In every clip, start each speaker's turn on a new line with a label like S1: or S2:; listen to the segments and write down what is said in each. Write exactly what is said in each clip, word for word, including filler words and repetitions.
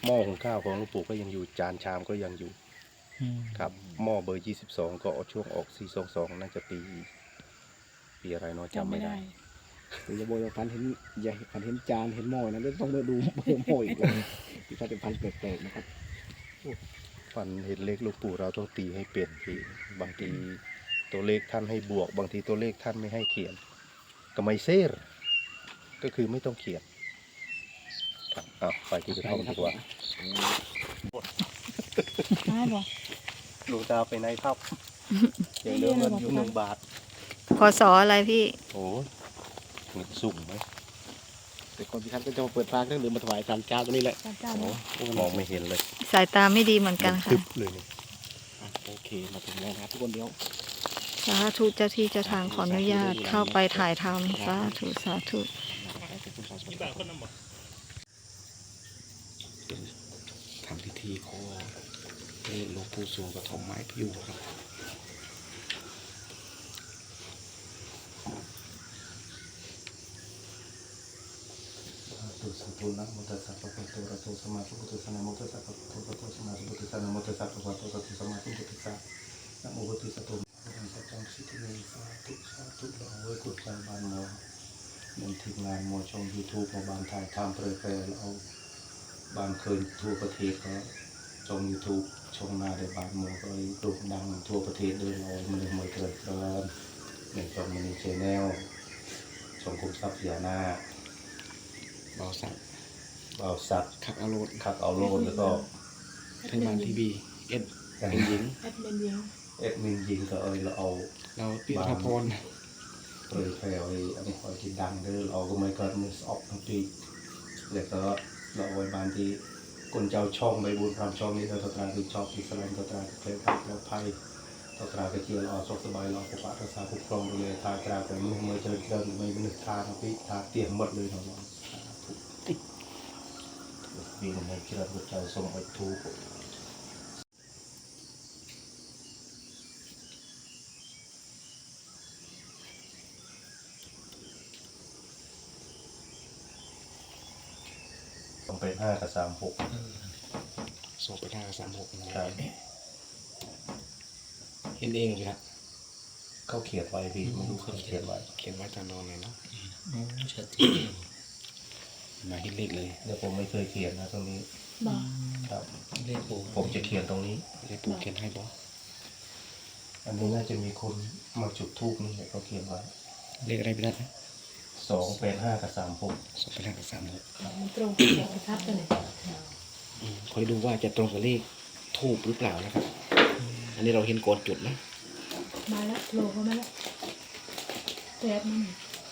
S1: หม้อหุงข้าวของหลวงปู่ก็ยังอยู่จานชามก็ยังอยู่ครับหม้อเบอร์ยี่สิบสองก็ช่วงออกสี่สองสองน่าจะปีปีอะไรเนาะจำไม่ได้
S2: เดี๋ยวจะบอกว่าพันเห็นใหญ่พันเห็นจานเห็นหม้อนะเดี๋ยวต้องมาดูเบอร์หม้ออีกเลยที่พันเป็นพันแปลกๆนะครับ
S1: ฟันเห็นเลขหลวงปู่เราต้องตีให้เปลี่ยนทีบางทีตัวเลขท่านให้บวกบางทีตัวเลขท่านไม่ให้เขียนก็ไม่เซ่ก็คือไม่ต้องเขียนครับอ้าวไปที่กระท่อมดีกว่าหลวงตาไปไหนครับเดี๋ยวเรื่องเงินอยู่หนึ่งบาท
S3: พศอะไรพี่
S1: โอ้เงินสุ่มไหม
S2: แต่คนที่ท่านก็จะมาเปิดฟางเครื่องดื่มมาถวายสามเจ้าตัวนี้แหละ
S1: มองไม่เห็นเลย
S3: สายตาไม่ดีเหมือนกันค่ะ
S1: เลยนี่
S2: โอเคมาถึงแล้วนะครับทุกคนเดียว
S3: สาธุเจ้าที่เจ้าทางขออนุญาตเข้าไปถ่ายทำสาธุสาธุ
S2: ทำพิธีขอให้หลวงปู่สวงกระถมไม้พิวครับ
S1: ตุสัตตุนะมุตตะสัพพะโตระโตสมาธิพุทธสนามุตตะสัพพะโตระโตสมาธิพุทธสนามุตตะสัพพะโตระโตสมาธิพุทธสนานะโมพุทธสัตตุนะสัจจังสิทธิเมสาธุสาธุเราไว้กุศลบานโมหนึ่งทีมงานโมชมยูทูบมาบานถ่ายทำเผยแพร่เอาบานเคยทั่วประเทศก็ชมยูทูบชมมาได้บานโมก็เลยโด่งดังทั่วประเทศเลยเรามันเลยมาเกิดเกินหนึ่งชมมันในชแนลชมคุมทรัพย์ยานา
S2: เบาสัตว์
S1: เบาสัตว์
S2: ขับเอาโลด
S1: ขับเอาโลดแล้วก็
S2: ไทยมันทีวีเอ็ดเป็นหญิง
S1: เอ็ดมินยิงเอ็ดมินยิงก็เอยเราเอา
S2: เราเปียพร
S1: เผยแพร่อันนี้คอยกินดังเด้อเราก็ไม่เกิดมือออกทั้งปีแล้วก็เราไว้บานที่คนเจ้าช่องใบบุญพรามช่องนี้เราตราดูชอบที่สลายตราเคยพักเราภัยตรากระเจียวเราสกสบายเราปกปักรักษาคุ้มครองดูแลทาตราแต่มือมือเจริญเจริญไม่เป็นทาทั้งปีทาเตี่ยมหมดเลยเราปีนในคิดว่าพระเจ้าทรงไว้ทุกต้องไปห้ากับสามหก
S2: สองไปห้ากับสามหก
S1: ครับ
S2: เห็นเองเลยครับ
S1: เขาเขียนไว้พี่ไม่รู้เขาเขียนไว้
S2: เขียนไว้ตามนอนเลยเนาะ
S1: ชัดเจน
S2: มาเห็นเลขเลย
S1: เดี๋ยวผมไม่เคยเขียนนะตรงนี้ครับเลขปูผมจะเขียนตรงนี้
S2: เลขปูเขียนให้บอ
S1: อันนี้น่าจะมีคนมาจุดทูบนี่เขาเขียนไว้
S2: เลขอะไรพี่นัท
S1: สองเป็นห้ากับสามหก
S2: สองเป็นห้ากับสามหก
S3: ตรงกับประทับกันเลย
S2: คอยดูว่าจะตรงกับเลขทูบหรือเปล่านะครับอันนี้เราเห็นก่อนจุดนะ
S3: มาแล้วโลก็มาแล้วแป๊บนึง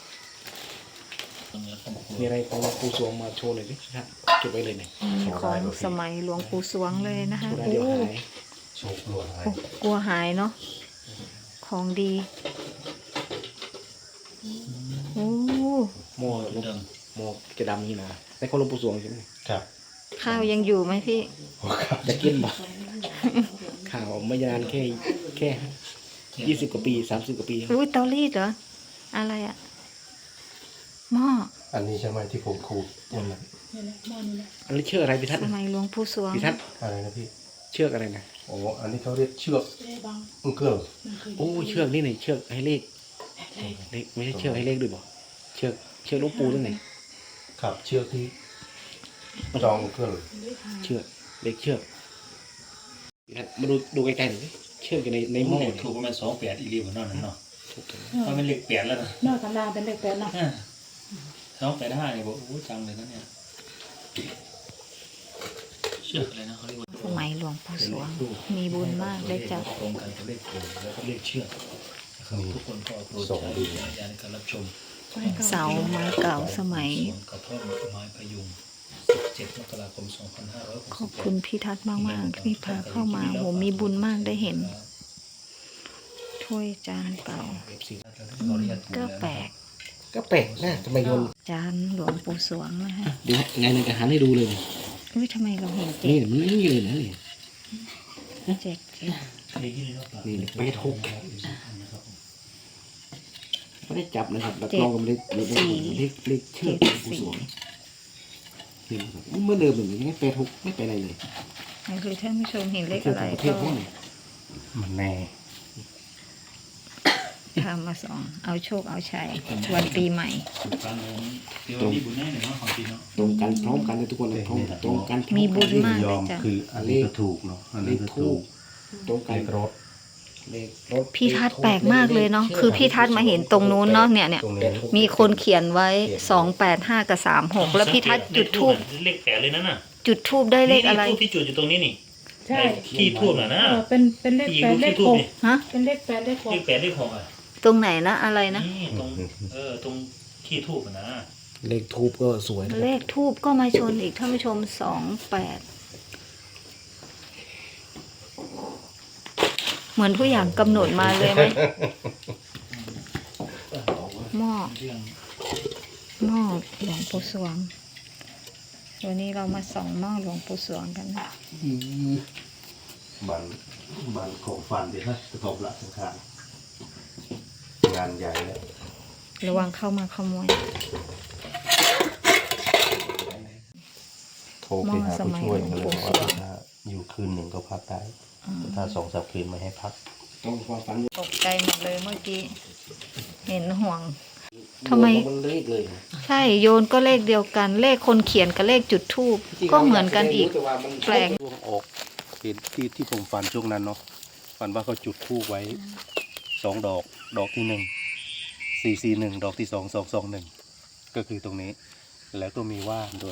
S2: มีอะไรของหลวงปู่สวงมาโชว์เลยดิครับจุดไว้เลยเนี่ย
S3: ของสมัยหลวงปู่สวงเลยนะคะ
S2: โอ้
S1: โชคกลัวหาย
S3: กลัวหายเนาะของดีโอ้
S2: หม้อลูกหม้อจะดำนี่นะในของหลวงปู่สวงใช่ไหม
S1: ครับ
S3: ข้าวยังอยู่ไหมพี่
S2: จะกินบ่ข้าวไม่นานแค่แค่ยี่สิบกว่าปีสามสิบกว่าปี
S3: อุ้ยเตารีดเหรออะไรอะหม้อ
S1: อันนี้ใช่ไหมที่ผมขูดนั่นแหละ
S2: อันนี้เชือกอะไรพี่ทัศน์
S3: สมัยหลวงปู่สวง
S2: พี่ทัศน์
S1: อะไรนะพี่
S2: เชือกอะไรนะ
S1: โอ้อันนี้เขาเรียกเชือกอุ้งเกลือ
S2: โอ้เชือกนี่ไหนเชือกให้เลขเลขไม่ใช่เชือกให้เลขด้วยบ่เชือกเชือกหลวงปู่ตรงไหน
S1: ครับเชือกที่จองเกลือ
S2: เชือกเลขเชือกมาดูดูไกลๆหน่อยเชือกอยู่ในในหม้อ
S4: ถูกประมาณสองแปดอีรีบนนนั่นเนาะเพราะมันเลขแปดแล้วนะ
S3: นอกธรรมดาเป็นเลขแปดนะ
S4: สองแปดห้าเนี่ยบอกโอ้จังเลยนะเนี่ยเชื่ออะไรนะเขาเรียกว่า
S3: สมัยหลวงปู่สวงมีบุญมากได้จับ
S4: ตรงกันกับเลขโผล่แล้วก็เลขเชือกทุกคนก็โปรดใช้วิจารณญาณในการรับชม
S3: เสาไม้เก่าสมัย
S4: กระท่อมไม้พยุงสิบเจ็ดมกราคมสองพันห้าร้อยหกสิบ
S3: ขอบคุณพี่ทัศน์มากๆที่พาเข้ามาโหมีบุญมากได้เห็นถ้วยจานเก่าก็แปลก
S2: ก็แปลกนะทำไมโยน
S3: จานหลวงปู่สวงนะฮะ
S2: เดี๋ยวไงในกระหันให้ดูเลย
S3: อุ้ยทำไมเราเห็นเจ็
S2: ดนี่มันนี่เลยนะ
S3: นี่เจ็ดเจ็ด
S2: นี่แปดหกไม่ได้จับนะครับแบบลองกับเลขเลขเลขเลขเชือกหลวงปู่สวงเห็นครับเมื่อเดิมแบบนี้แปดหกไม่ไปอะไรเลย
S3: นี่คือท่านผู้ชมเห็นเลขอะไร
S2: ประเท
S3: ก็
S2: ศพวกนี้
S1: มันแน่
S3: ทำมาสองเอาโชคเอาชัยวันปีใหม่
S4: ฟังเลยเดี๋ยวมีบุญแน่เลยเนาะของจริงเนาะ
S2: ตรงกันพร้อมกันเลยทุกคนเลยตรงตรงกัน
S3: มีบุญมาก
S1: ยอมคืออันนี้ก็ถูกเนาะอัน
S2: เล
S1: นี้
S2: ข
S1: ก็
S2: ทู
S1: ถู
S2: บ
S1: ก
S2: ตรงกั
S1: เล
S2: น
S1: ขรถ
S2: เลขรถ
S3: พี่ทัศน์แปลกมากเลยเนาะคือพี่ทัศน์มาเห็นตรงนู้นเนาะเนี่ยเนี่ย
S1: ตรงนี้
S3: มีคนเขียนไว้สองแปดห้ากับสามหกแล้วพี่ทัศน์จุดทูบ
S4: เลขแปดเลยนั่นน่ะ
S3: จุดทูบได้เลขอะไร
S4: ทูบที่จุดอยู่ตรงนี้นี่
S5: ใช่
S4: ที่ทูบน่ะนะ
S5: เออเป็นเป็นเลข
S4: ที่
S5: แป
S4: รู
S5: ด
S4: ป
S5: เล
S4: ที่
S5: ข
S4: ทู
S5: ห
S4: บ
S5: ก
S4: นี่
S3: ฮะ
S5: เป็นเลขแปดเลขหก
S4: เลขแปดเลขหกอ่ะ
S3: ตรงไหนนะอะไรนะ
S4: นี่ตรงเออตรงที่ทูบนะ
S2: เลขทูบก็สวยนะ
S3: เลขทูบก็มาชนอีกท่านผู้ชมสองแปดเหมือนทุกอย่างกำหนดมาเลยไหมหม้อ
S4: เรื่อง
S3: หม้อหลวงปู่สวงวันนี้เรามาส่องหม้อหลวงปู่สวงกันนะ
S2: อืม
S1: บันบันของฟันดีฮะกระทบหลักสังขารงานใหญ่เลย
S3: ระวังเข้ามาขโมย
S1: โทรไปหาผู้ช่วยมาเลยบอกว่าถ้าอยู่คืนหนึ่งก็พักได้แต่ถ้าสองสามคืนไม่ให้พัก
S2: ต้องความฝัน
S3: ตกใจหมดเลยเมื่อกี้ เห็นห่วง ทำไม
S2: มันเลขเลย
S3: ใช่โยนก็เลขเดียวกัน เลขคนเขียนกับเลขจุดทูบก็เหมือนกันอีก
S2: แต่ว่ามัน
S3: แปลก
S1: ช่วงออกเห็นที่ที่ผมฝันช่วงนั้นเนาะฝันว่าเขาจุดธูปไว้สองดอก ดอกที่หนึ่งสี่สี่หนึ่งดอกที่สองสองสองหนึ่งก็คือตรงนี้ แล้วก็มีว่านด้วย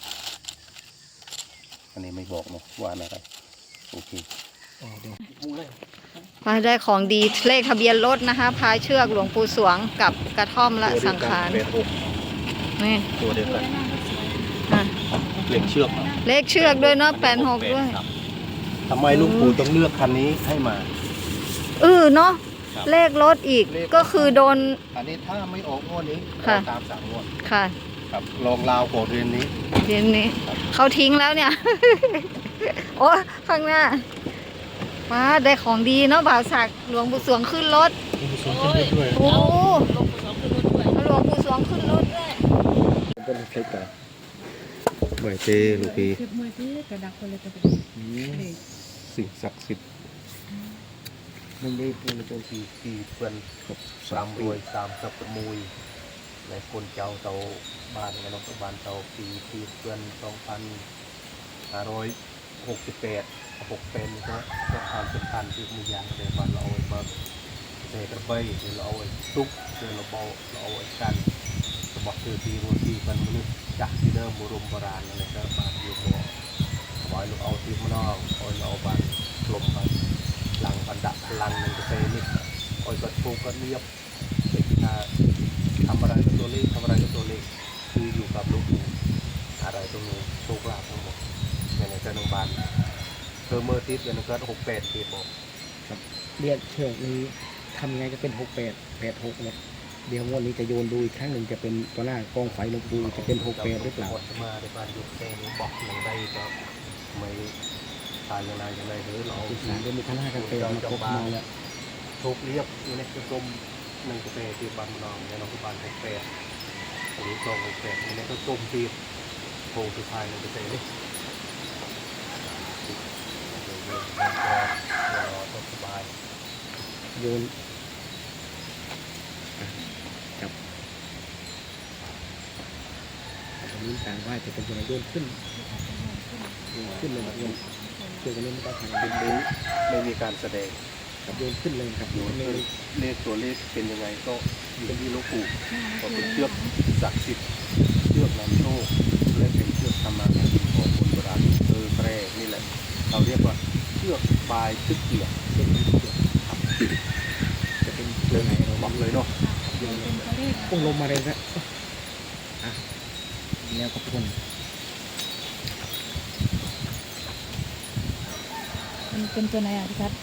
S1: อันนี้ไม่บอกเนาะว่านอะไรโอเค
S2: อ๋อเดี๋ยวพูดเลย
S3: มาได้ของดีเลขทะเบียนรถนะคะ พายเชือกหลวงปู่สวงกับกระท่อมและสังขาร
S1: ตัวเดียวกัน
S3: นี่
S1: ตัวเดียวกัน
S3: อ่ะ
S1: เหล็กเชือก
S3: เลขเชือกด้วยเนาะแปดหกด้วย
S1: ครับทำไมลุงปู่ต้องเลือกคันนี้ให้มา
S3: เออเนาะ
S1: ครับ
S3: เลขรถอีกก็คือโดน
S1: อันนี้ถ้าไม่ออกงวดนี้
S3: ค่ะ
S1: ตามสามงวด
S3: ค่ะ
S1: ครับลองลาวโกดเรียนนี้
S3: เดี๋ยวนี้เขาทิ้งแล้วเนี่ย โอ้ข้างหน้าว้าได้ของดีเนาะบ่าวศักดิ์หลวงปู่สวงขึ้นรถ โอ้หลวงปู่สวงขึ้นรถด้วย
S2: เป็นเลขอะไร
S1: ไหวเต้ลูกพี่
S5: เก็บมือที่กระดักไปเลยกระดัก
S2: อืม
S5: เลข
S1: สิ่งศักดิ์สิทธิ์
S2: มันเลขเป็นตัว
S1: ที่ที่เพื่อนสามรวยสามสับประมุยในคนเจ้าเตาบ้านกันนกบ้านเตาปีที่เพื่อนสองพันห้าร้อยหกสิบแปดหกเป็นก็ก็ความสำคัญที่มีอย่างเดียวมันเราเอาไว้มาเสกกระเบยหรือเราเอาไว้ซุกหรือเราเบาเราเอาไว้กันสมบัติคือที่รวมที่มันมนุษย์จากที่เดิมโบราณโบราณอะไรก็บานอยู่หัวเอาไว้เราเอาที่มันนอกเอาเราเอาบานกลมไปหลังพันดักพลังมันจะเซนิดเอาก็โชก็เรียบเป็นท่าทำอะไรกับตัวเลขทำอะไรกับตัวเลขคืออยู่กับลูกปู่อะไรตรงนี้โชคลาภทั้งหมดในในเจ้าหนุ่มบานเธอเมื่อติดกันก็หกแปดปีบอก
S2: เรียกเชือกนี้ทำไงจะเป็นหกแปดแปดหกเนี่ยเดี๋ยวงวดนี้จะโยนดูอีกครั้งหนึ่งจะเป็นตัวหน้ากองไฟหลวงปู่จะเป็นหกแปดหรือเปล่า
S1: หมดมาในบ้านยุคเซนบอกอย่างใดก็ไม่ทานอย่างไรอย่างไรหรือเรา
S2: อีสานเดี๋ยวมีข้างหน้ากันเป็นมาครบมาแล้ว
S1: ทุกเรียบอยู่ในกระกลมหนึ่งกระเปที่บ้านนองในนองบ้านหกแปดหรือตรงหกแปดในกระกลมที่โพสุดท้ายในกระเปนี่ก็สบาย
S2: โยนอ่ะจับตอนนี้การไหว้จะเป็นยังไงโยนขึ้นโยนขึ้นเลยครับโยนเชือกอันนี้ไม่ต้องทำ
S1: เป็นนี้ไม่มีการแสดง
S2: ครับโยนขึ้นเลยครับโยนเลย
S1: เลขตัวเลขเป็นยังไงก็อยู่ที่หลูกปู่ก็เป็นเชือกศักดิ์สิทธิ์เชือกนำโชคและเป็นเชือกทำมาหากินของคนโบราณเออแพร่นี่แหละเราเรียกว่าเชือกบายตึกเกียร์
S2: เป็นเชือกครับจะเป็นเชือกไหนเรา
S1: บอกเลยเนาะ
S2: โยน
S5: เป็นตัวเลข
S2: พุ่งลงมาเลยนะอ่ะแล้วก็พุ่ง
S5: มันเป็นตัวไหนอ่ะพี่ทัศน์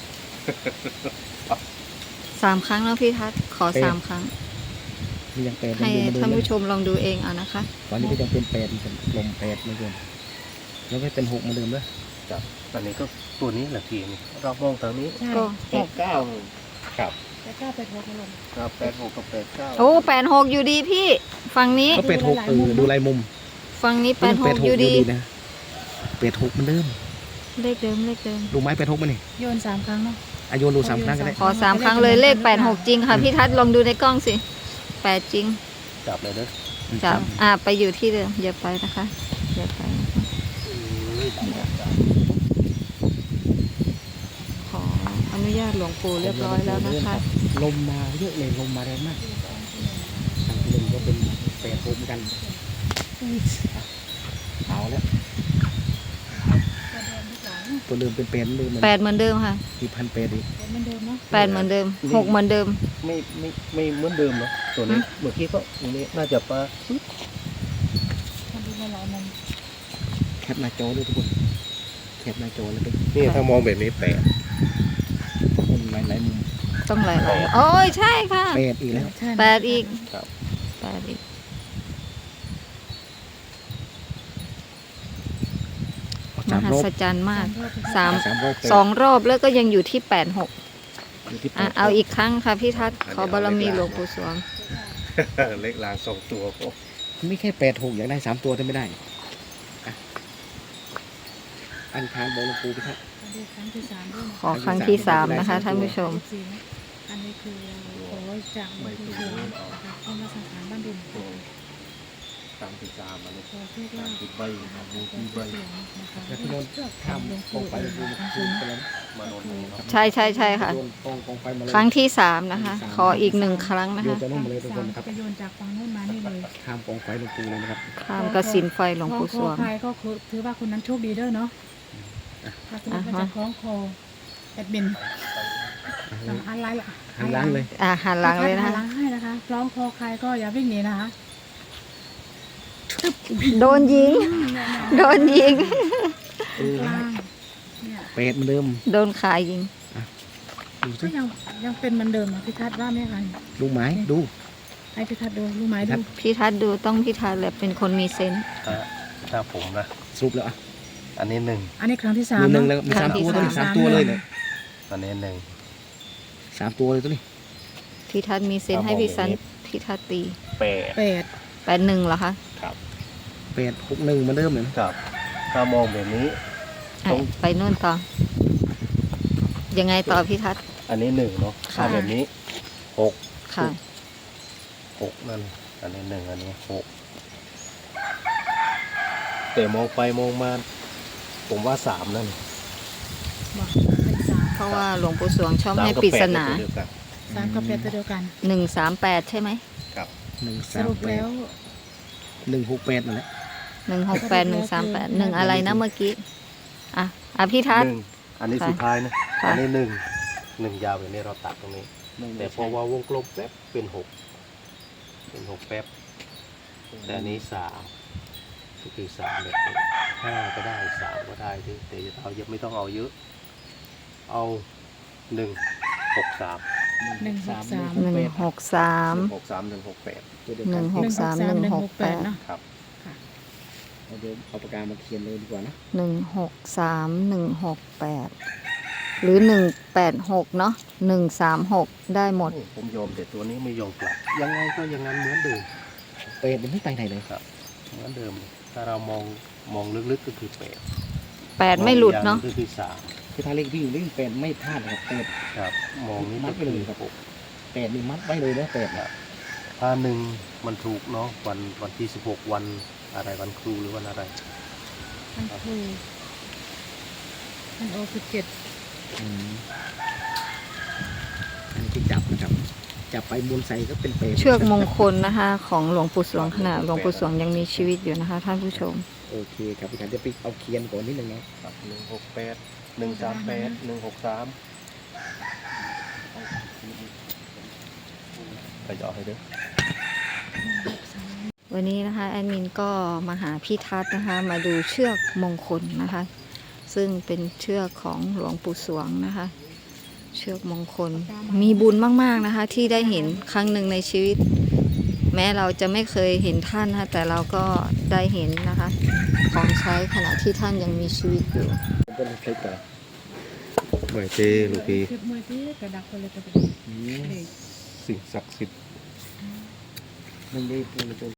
S3: สามครั้งแล้วพี่ทัศน์ขอสามครั้ง
S2: มียังแปด
S3: ให้
S2: ยัง
S3: ท่าน
S2: เดิม
S3: ผู้ชมลองดูเองเอานะคะ
S2: ตอนนี้ก็ยังเป็นแปดเหมือนกันลมแปดเหมือนเดิมแล้วก็เป็นหกเหมือนเดิมเลย
S1: จับอันนี้ก็ตัวนี้แหละทีนี้เรามองทางนี้
S5: ใช่
S3: ก็
S1: หกเก้าครับ
S5: แล้วก็ไปโทรมาลง
S1: ครับแปดหกกับแปดเก้า
S3: โอ้แปดหกอยู่ดีพี่ ฝั่งนี้
S2: ก็เป็นหกเออดูลายมุม
S3: ฝั่งนี้แปดหกอยู่ดี
S2: นะแปดหกมันเดิม
S3: เลขเดิมเลขเดิม
S2: ดูไม้แปดหกมันนี่
S5: โยนสามครั้งเนาะ
S2: อายุดูสามครั้งก็ได้
S3: ขอสามครั้งเลยเลขแปดหกจริงค่ะพี่ทัศน์ลองดูในกล้องสิแปดจริง
S1: จับเลยเด้อ
S3: จับอ่าไปอยู่ที่เดิมอย่าไปนะคะอย่าไปนะคะขออนุญาตหลวงปู่เรียบร้อยแล้วนะคะ
S2: ลมมาเยอะเลยลมมาแรงมากทางลมก็เป็นแปดหกเหมือนกันเอาแล้วตัวเดิมเป็นแปดเหมือนเดิม
S3: แปดเหมือนเดิมค่ะ
S2: มีพันแปดอีก
S5: เหมือนเดิมเนาะ
S3: แปดเหมือนเดิมหกเหมือนเดิม
S1: ไม่ไม่ไม่เหมือนเดิมเนาะตัวนี้เมื่อกี้ก็ตรงนี้น่าจะปลา
S5: มันดูมาหลายมุม
S2: แคปหน้าจอเลยทุกคนแคปหน้าจอเลยไป
S1: นี่ถ้ามองแบบนี้แปด
S2: คนหลายหลายๆมุม
S3: ต้องหลายๆโอ้ยใช่ค่ะ
S2: แปดอีกแล้ว
S5: ใช่
S3: แปดอีก
S1: ครับ
S3: แปดอีก ม
S2: สาม
S3: หั
S2: รอบ
S3: ศจรรย์มาก
S5: สาม
S3: สาม
S2: สามรอบแปด
S3: สองรอบแล้วก็ยังอยู่ที่แปดหก
S2: อยู่ที่แป
S3: อ่ะ
S2: ด
S3: เอาอีกครั้งค่ะพี่ทัศน์ขอบารมีหลวงปู่สวง
S1: เล็กลางสองตัวก็
S2: ไม่แค่แปดหกอยากได้สามตัวแต่ไม่ได้อ่ะอันทานบอกหลวงปู่ไปครับ
S5: ดูครั้งที่สามด้วยนะ
S3: ขอครั้งที่สามนะคะท่านผู้ชม
S5: สี่นะอันนี้คือขอจากหลวงปู่สวงนะคะเข้ามาสังขารบ้านดินขอ
S1: ตามที่สามอันนี้
S5: โชคลาภ
S1: ติดใบครับมี
S5: หลว
S1: ที่
S5: ง
S1: ใบ
S5: ปู่สวงนะคะ
S2: แล้วที่โดนข้ามกองไฟหลวงปู่คืนไปแล้ว
S1: มานอนตรงนี้เนาะ
S3: ใช่ใช่ใช่ค่ะ
S2: โดนกองกองไฟมาเลย
S3: ครั้งที่สามนะคะ ขออีกหนึ่งครั้งนะ
S2: โยน
S3: คะ
S2: จะนุ่มมาเลยทุกคนนะครับ
S5: จะโยนจากฝั่งโน้นมานี่เลย
S2: ข้ามกองไฟหลวงปู่เลยนะครับ
S3: ข้ามกระสินไฟหลวงปู่สวง
S5: คล้องคอใครก็คือถือว่าคนนั้นโชคดีเด้อเนาะถ้าสมมติว่าจะคล้องคอแอดมินอ่ะอะไรล่ะ
S2: หันหล้างเลย
S3: อ่าหันหลังเลยนะ
S5: หั
S3: คะ
S5: นหลังให้นะคะคล้องคอใครก็อย่าวิ่งหนีนะคะ
S3: โดนยิง โดนยิง
S2: เออก
S5: ลางเนี่ย
S2: แปดเหมือนเดิม
S3: โดนขายิง
S2: ดูสิ
S5: ก็ยังยังเป็นเหมือนเดิมนะพี่ทัศน์ว่าไหมคะ
S2: ดูไม้ดู
S5: ให้พี่ทัศน์ดูรู้ไหมดู
S3: พี่ทัศน์ดูต้องพี่ทัศน์แหละเป็นคนมีเซนส์
S1: ถ้าถ้าผมนะ
S2: สรุปแล้วอ่ะ
S1: อันนี้หนึ่ง
S5: อันนี้ครั้งที่สาม
S2: มีหนึ่ง
S5: เน
S2: แล้ว
S5: อะ
S2: มีสามตัวตัวนี้
S3: ครั้
S2: สาม
S3: งที่
S2: ตัว
S3: สาม
S2: เลยเนี่ย
S1: อันนี้หนึ่ง
S2: สามตัวเลยตัวนี้
S3: พี่ทัศน์มีเซนส์ให้พี่สันพี่ทัศน์ตี
S1: แปด
S5: แปด
S3: แปดหนึ่งเหรอคะ
S1: ครับ
S2: แปดหกหนึ่งเหมือนเดิมเลยนะ
S1: ครับถ้ามองแบบนี้
S3: อ่ะไปโน่นต่อ ยังไงต่อพี่ทัศน์
S1: อันนี้หนึ่งเนาะ
S3: ค่ะ
S1: ถ้าแบบนี้หก
S3: ค่ะ
S1: หกนั่นอันนี้หนึ่งอันนี้หกแต่มองไปมองมาผมว่าสามนั่น
S5: บอกเป็นสาม
S3: เพราะว่าหลวงปู่สวงชอบ
S1: สาม
S3: ให้
S1: กับ
S3: ปริ
S1: แป
S3: ศ
S1: ด
S3: นา
S1: เป็นตัวเดียวกัน
S5: สามกับแปดตัวเดียวกัน
S3: หนึ่งสามแปดใช่ไหม
S2: หนึ่ง
S5: ส
S2: สาม
S5: รุป
S2: แป
S5: แล้
S2: ด
S5: ว
S2: หนึ่งหกแปดนั่นแหละ
S3: หนึ่งหกแปดหนึ่งสามแปดหนึ่งอะไรนะเมื่อกี้ อ่ะ อ่ะพี่ทัศ
S1: ห
S3: น์
S1: นึ่งอันนี้
S3: ค่ะ
S1: สุดท้ายนะ
S3: ค่ะ
S1: อันนี้หนึ่งหนึ่งยาวแบบนี้เราตัดตรงนี้
S2: หนึ่ง
S1: แต่พอว่าวงกลมแป๊บเป็นหกเป็นหกแป๊บแต่อันนี้สามก็คือสามแบบนี้ห้าก็ได้สามก็ได้ที่แต่เรายังไม่ต้องเอาเยอะ เอาหนึ่งหกสาม
S5: หนึ่งหกสาม
S3: หนึ่งหกสาม
S1: หนึ่งหกสามหนึ่งหกแปด
S2: ตัวเดียว
S3: ห
S2: กั
S3: นึ่
S2: น
S3: งหกสามหนึ่งหกแปด
S5: เนาะ
S1: ครับ
S2: เอาเดี๋ยวเอาปากกามาเขียนเลยดีกว่านะ
S3: หนึ่งหกสามหนึ่งหกแปดหรือหนึ่งแปดหกเนาะหนึ่งสามหกได้หมด
S1: นี่ผมยอมแต่ตัวนี้ไม่ยอมกลับยังไงก็อยังงั้นเหมือนเดิม
S2: แปดมันไม่ไปไหนเลย
S1: ครับเหมือนเดิม ถ้าเรามองมองลึกๆก็คือแปด
S3: แปดไม่หลุดเนาะ
S1: มองอีกอย่งก็คือสาม
S2: คือถ้าเลขวิ่งวิ่งแปดไม่พลาดนะครับแปด
S1: ครับ มองนี่
S2: มั
S1: ก็
S2: ดไป
S1: คือ
S2: เลยครับ แปดนี่มัดไว้เลยนะแปด
S1: ครับถ้าหนึ่งมันถูกเนาะวันวันที่สิบหกวันอะไรวันครูหรือวันอะไร
S5: มันคือมันโอสิบเจ็ด
S2: อืมอันนี้ที่จับนะครับ จับไปบนใส่ก็เป็นแปด
S3: เชือกมงคลนะคะ ของหลวงปู่สวงขณะหลวงปู่สวงยังมีชีวิตอยู่นะคะ ท่านผู้ชม
S2: โอเคครับพี่ขันจะไปเอาเคียนก่อนนิดนึงนะ
S1: ครับหนึ่งหกแปดหนึ่งสามแปดหนึ่งหกสามไปเจาะให้เด้อ
S3: วันนี้นะคะแอดมินก็มาหาพี่ทัศน์นะคะ มาดูเชือกมงคลนะคะ ซึ่งเป็นเชือกของหลวงปู่สวงนะคะ เชือกมงคลมีบุญมากๆนะคะ ที่ได้เห็นครั้งหนึ่งในชีวิต แม้เราจะไม่เคยเห็นท่านนะคะแต่เราก็ได้เห็นนะคะ ของใช้ขณะที่ท่านยังมีชีวิตอยู่
S2: ผมเป็นคลิปก่อน
S1: ไหวเจลูกพี่
S5: คลิปมวยที่กระดักไปเลยกระดัก
S2: อืม
S5: เลย
S1: สิ่งศักดิ์สิทธิ์
S2: หนึ่งดีหนึ่งตัว